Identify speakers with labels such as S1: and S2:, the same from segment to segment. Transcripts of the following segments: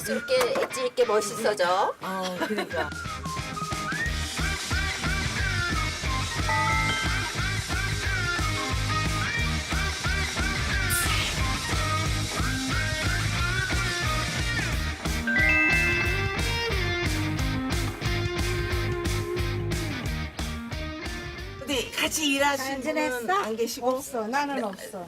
S1: 엣지 있게 멋있어져.
S2: 그러니까. 근데 같이 일하시는 분은 안 계시고
S3: 없어. 나는 없어.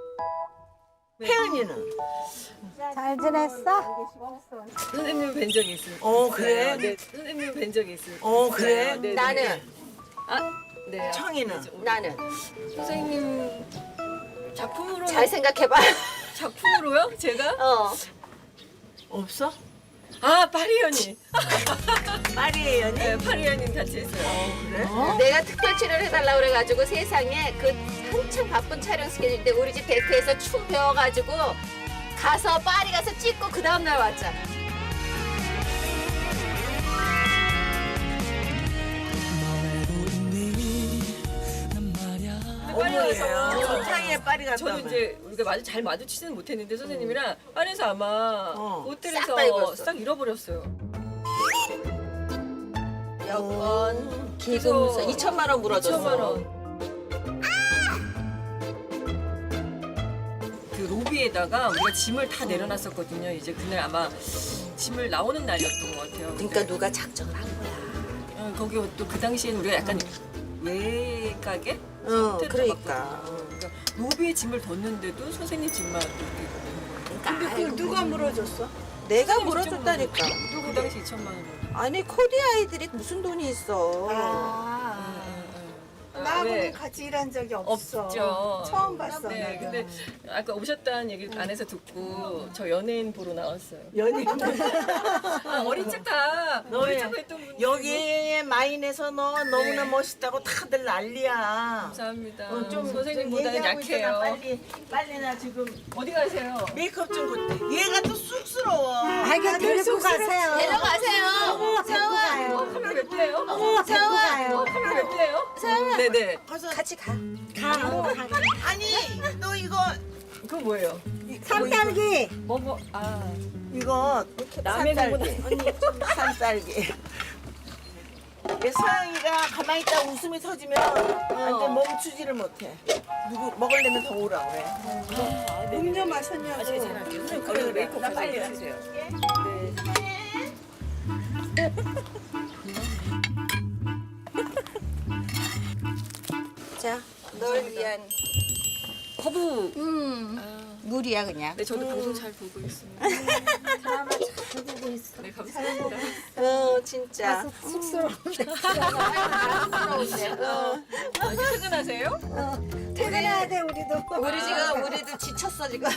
S2: 혜은이는?
S3: 잘 지냈어?
S4: 선생님 뵌 적이 있어요.
S2: 그래?
S4: 네, 선생님 뵌 적이 있어요.
S2: 그래?
S4: 네, 네.
S1: 나는
S4: 네.
S2: 청이는?
S1: 나는
S4: 선생님 작품으로
S1: 잘 생각해봐.
S4: 작품으로요? 제가?
S2: 없어?
S4: 아 파리연이.
S2: 파리 혜연이?
S4: 네, 파리연이 같이 했어요.
S2: 그래?
S1: 내가 특별 출연을 해달라고 그래가지고 세상에 그 한참 바쁜 촬영 스케줄인데 우리 집 데크에서 춤 배워가지고 가서 파리 가서 찍고 그 다음날 왔잖아.
S4: 빨리 와서
S2: 저 사이에 파리 갔다
S4: 저는
S2: 오면.
S4: 이제 우리가 잘 마주치지는 못했는데 선생님이랑 파리에서 아마
S1: 싹다
S4: 호텔에서
S1: 잃어버렸어.
S4: 싹 잃어버렸어요.
S1: 여권, 기금서 2천만 원 물어줬어.
S4: 2천만 원. 그 로비에다가 우리가 짐을 다 내려놨었거든요. 이제 그날 아마 짐을 나오는 날이었던 것 같아요.
S1: 그러니까 누가 작정을 한 거야.
S4: 거기 또 그 당시에는 우리가 약간 외가게?
S1: 그러니까.
S4: 그러니까 로비에 짐을 뒀는데도 선생님 짐만 이렇게
S1: 그러니까
S3: 누가 물어줬어?
S1: 내가 물어줬다니까.
S4: 그 당시 2천만 원.
S1: 아니 코디 아이들이 무슨 돈이 있어.
S3: 나하고는
S4: 네.
S3: 같이 일한 적이 없어.
S4: 없죠.
S3: 처음 봤어.
S4: 네,
S3: 내가.
S4: 근데 아까 오셨다는 얘기를 안에서 듣고 저 연예인 보러 나왔어요.
S2: 연예인.
S4: 어린 척 다 어린 척 했던 분.
S2: 여기 마인에서 너 너무나
S4: 네.
S2: 멋있다고 다들 난리야.
S4: 감사합니다.
S2: 좀
S4: 선생님보다는
S2: 얘기하고 있잖아.
S4: 약해요.
S2: 빨리 나 지금
S4: 어디 가세요?
S2: 메이크업 좀 못해. 얘가 또 쑥스러워.
S3: 이거 데리고 가세요.
S1: 데려가세요.
S3: 데리고 가요.
S4: 카메라 몇 대예요?
S3: 데리고 가요.
S4: 카메라 몇 대예요? 네네.
S2: 가서
S1: 같이 가.
S2: 아니 너 이거
S4: 그거 뭐예요?
S3: 산딸기.
S2: 이거
S4: 남의
S2: 산딸기. 언니 산딸기. 얘 서영이가 가만히 있다 웃음이 터지면 완전 멈추지를 못해. 누구 먹으려면 더 오라 그래.
S3: 음료 마셨냐고.
S2: 그래 그래. 나 빨리 하세요.
S1: 자, 널 위한
S4: 허브.
S1: 물이야 그냥.
S4: 네, 저도 방송 잘 보고 있습니다. 네, 감사합니다.
S1: 진짜.
S3: 쑥스러운데.
S4: 퇴근하세요?
S3: 퇴근해야 돼 우리도.
S1: 우리도 지쳤어 지금.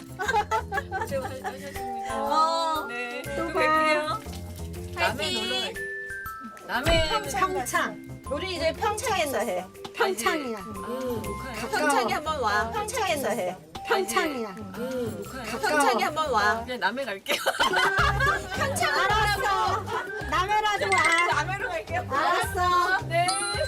S4: 고생하셨습니다. 네, 또 뵐게요. 남해 놀러 갈게요. 남해
S3: 평창.
S1: 우리 이제 평창에서 해.
S3: 평창이야.
S1: 평창에 한번 와. 평창에서 해.
S3: 평창이야.
S1: 평창에 한번 와.
S4: 그냥 남해 갈게요.
S3: 알았어. 남해라도 와.
S4: 남해로 갈게요.
S3: 알았어.
S4: 네.